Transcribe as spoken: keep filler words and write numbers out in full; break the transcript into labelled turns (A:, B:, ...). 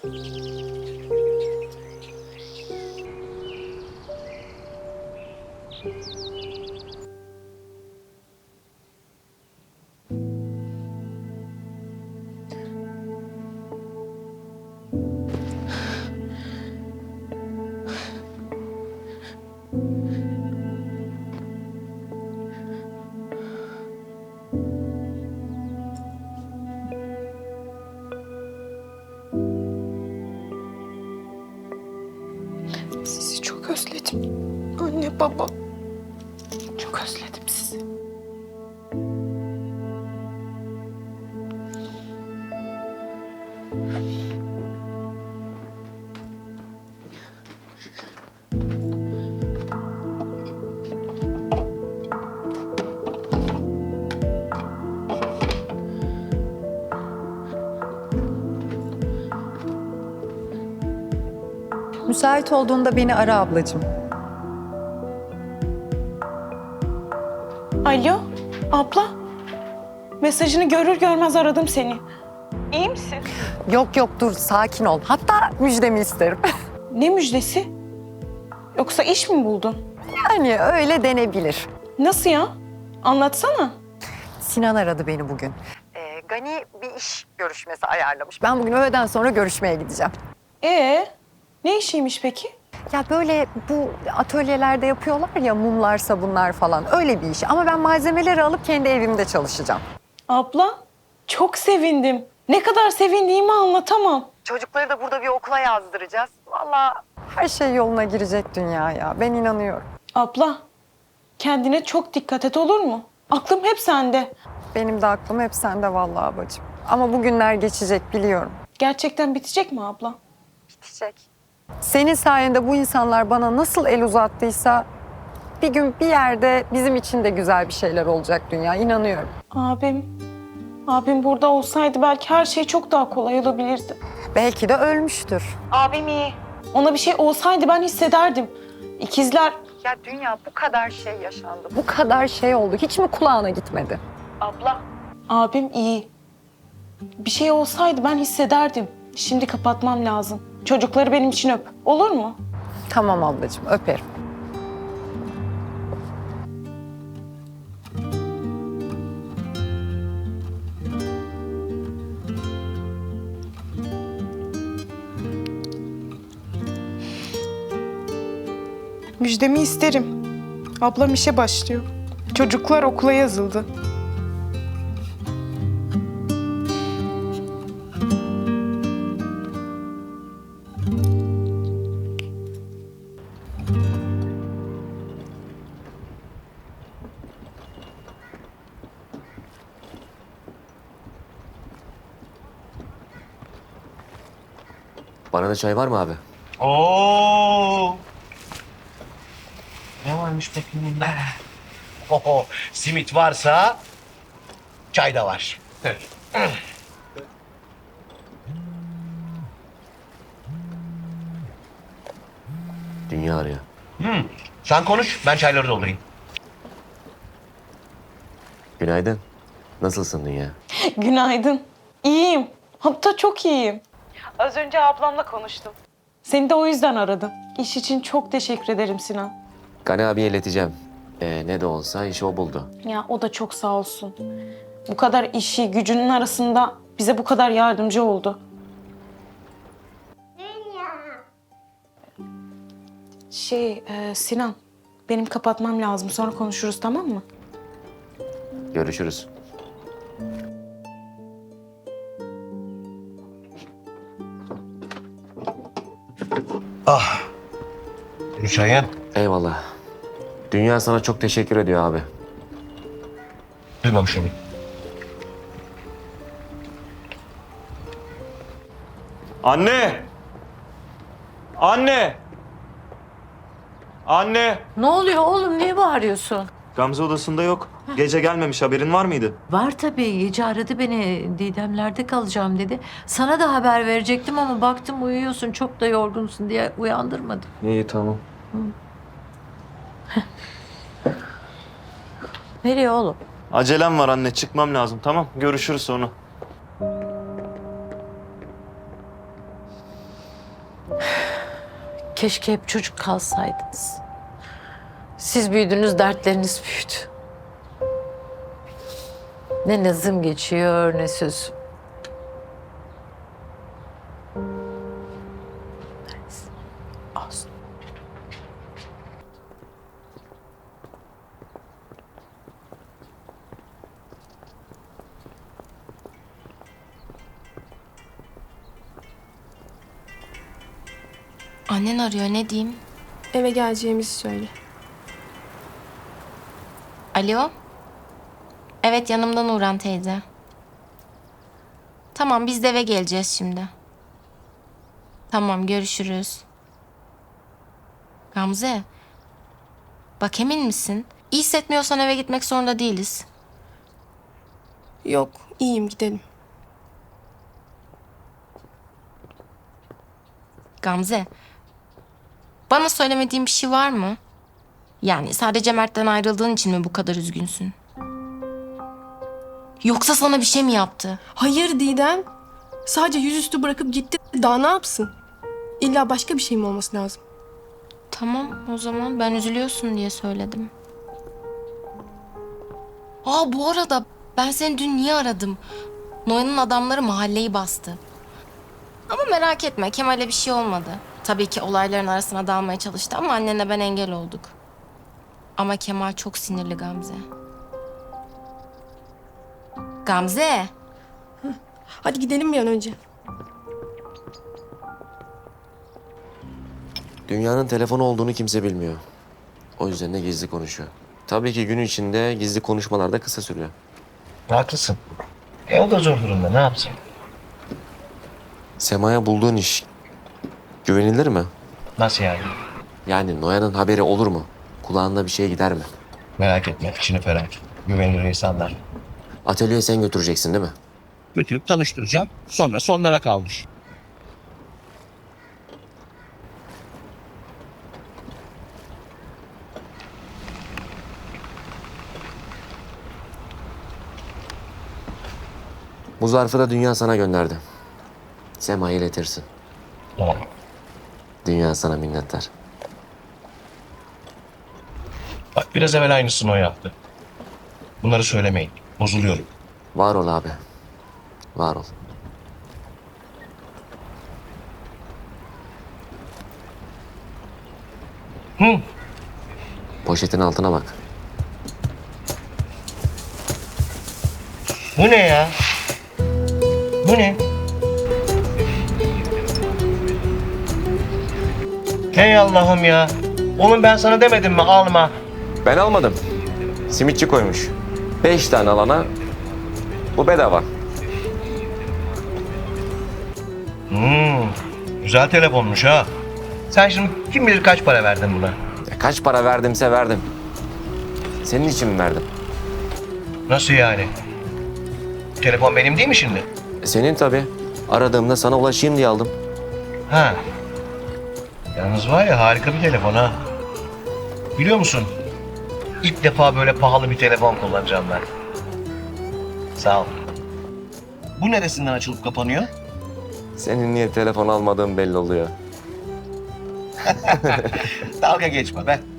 A: Sizi çok özledim. Anne, baba. Çok özledim sizi.
B: Müsait olduğunda beni ara ablacığım.
A: Alo, abla. Mesajını görür görmez aradım seni. İyi misin?
B: Yok yok dur sakin ol. Hatta müjdemi isterim.
A: Ne müjdesi? Yoksa iş mi buldun?
B: Yani öyle denebilir.
A: Nasıl ya? Anlatsana.
B: Sinan aradı beni bugün. Ee, Gani bir iş görüşmesi ayarlamış. Ben bugün öğleden sonra görüşmeye gideceğim.
A: Ee, ne işiymiş peki?
B: Ya böyle bu atölyelerde yapıyorlar ya mumlar, sabunlar falan öyle bir iş. Ama ben malzemeleri alıp kendi evimde çalışacağım.
A: Abla, çok sevindim. Ne kadar sevindiğimi anlatamam.
B: Çocukları da burada bir okula yazdıracağız. Vallahi her şey yoluna girecek dünya ya. Ben inanıyorum.
A: Abla, kendine çok dikkat et, olur mu? Aklım hep sende.
B: Benim de aklım hep sende vallahi bacım. Ama bu günler geçecek biliyorum.
A: Gerçekten bitecek mi abla?
B: Bitecek. Senin sayende bu insanlar bana nasıl el uzattıysa bir gün bir yerde bizim için de güzel bir şeyler olacak dünya. İnanıyorum.
A: Abim, abim burada olsaydı belki her şey çok daha kolay olabilirdi.
B: Belki de ölmüştür.
A: Abim iyi. Ona bir şey olsaydı ben hissederdim. İkizler...
B: Ya dünya bu kadar şey yaşandı. Bu kadar şey oldu. Hiç mi kulağına gitmedi?
A: Abla. Abim iyi. Bir şey olsaydı ben hissederdim. Şimdi kapatmam lazım. Çocukları benim için öp. Olur mu?
B: Tamam ablacığım öperim.
A: Müjdemi isterim. Ablam işe başlıyor. Çocuklar okula yazıldı.
C: Bana da çay var mı abi?
D: Oo. Ne varmış peki bunda? Oho, simit varsa çay da var.
C: Dünya arıyor.
D: Hmm. Sen konuş, ben çayları doldurayım.
C: Günaydın. Nasılsın Dünya?
A: Günaydın. İyiyim. Hatta çok iyiyim. Az önce ablamla konuştum. Seni de o yüzden aradım. İş için çok teşekkür ederim Sinan.
C: Gani abiye ileteceğim. Ee, ne de olsa işi o buldu.
A: Ya o da çok sağ olsun. Bu kadar işi, gücünün arasında bize bu kadar yardımcı oldu. Şey, e, Sinan, benim kapatmam lazım. Sonra konuşuruz, tamam mı?
C: Görüşürüz.
D: Ah. Çayın.
C: Eyvallah. Dünya sana çok teşekkür ediyor abi.
D: Duymamışım.
E: Anne! Anne! Anne!
F: Ne oluyor oğlum? Niye bağırıyorsun?
E: Gamze odasında yok. Gece gelmemiş, haberin var mıydı?
F: Var tabii. Gece aradı beni. Didemlerde kalacağım dedi. Sana da haber verecektim ama baktım uyuyorsun. Çok da yorgunsun diye uyandırmadım.
E: İyi, tamam.
F: Nereye oğlum?
E: Acelem var anne, çıkmam lazım. Tamam, görüşürüz sonra.
F: Keşke hep çocuk kalsaydınız. Siz büyüdünüz, dertleriniz büyüdü. Ne nazım geçiyor, ne söz. Neyse, olsun.
G: Annen arıyor, ne diyeyim?
H: Eve geleceğimizi söyle.
G: Alo? Evet, yanımda Nurhan teyze. Tamam, biz de eve geleceğiz şimdi. Tamam, görüşürüz. Gamze. Bak, emin misin? İyi hissetmiyorsan eve gitmek zorunda değiliz.
H: Yok, iyiyim, gidelim.
G: Gamze. Bana söylemediğin bir şey var mı? Yani sadece Mert'ten ayrıldığın için mi bu kadar üzgünsün? Yoksa sana bir şey mi yaptı?
H: Hayır Didem. Sadece yüzüstü bırakıp gitti. Daha ne yapsın? İlla başka bir şey mi olması lazım?
G: Tamam, o zaman ben üzülüyorsun diye söyledim. Aa, bu arada ben seni dün niye aradım? Noyan'ın adamları mahalleyi bastı. Ama merak etme, Kemal'e bir şey olmadı. Tabii ki olayların arasına dalmaya çalıştı ama annenle ben engel olduk. Ama Kemal çok sinirli Gamze. Gamze!
H: Hadi gidelim bir an önce.
C: Dünyanın telefonu olduğunu kimse bilmiyor. O yüzden de gizli konuşuyor. Tabii ki gün içinde gizli konuşmalar da kısa sürüyor.
D: Haklısın. E o da zor durumda, ne yapsın?
C: Sema'ya bulduğun iş güvenilir mi?
D: Nasıl yani?
C: Yani Noyan'ın haberi olur mu? Kulağında bir şey gider mi?
D: Merak etme, içini ferah tut. Güvenilir insanlar.
C: Atölyeye sen götüreceksin değil mi?
D: Götürüp tanıştıracağım. Sonra sonlara kalmış.
C: Bu zarfı da Dünya sana gönderdi. Sema'ya iletirsin.
D: Tamam.
C: Dünya sana minnettar.
D: Bak, biraz evvel aynısını o yaptı. Bunları söylemeyin. Bozuluyorum.
C: Var ol abi. Var ol.
D: Hı.
C: Poşetin altına bak.
D: Bu ne ya? Bu ne? Hey Allah'ım ya. Oğlum ben sana demedim mi alma?
C: Ben almadım. Simitçi koymuş. Beş tane alana bu bedava.
D: Hmm, güzel telefonmuş ha. Sen şimdi kim bilir kaç para verdin buna?
C: Ya kaç para verdimse verdim. Senin için mi verdim?
D: Nasıl yani? Telefon benim değil mi şimdi?
C: E, senin tabii. Aradığımda sana ulaşayım diye aldım.
D: Ha. Yalnız var ya, harika bir telefon ha. Biliyor musun? İlk defa böyle pahalı bir telefon kullanacağım ben. Sağ ol. Bu neresinden açılıp kapanıyor?
C: Senin niye telefon almadığın belli oluyor.
D: Dalga geçme be.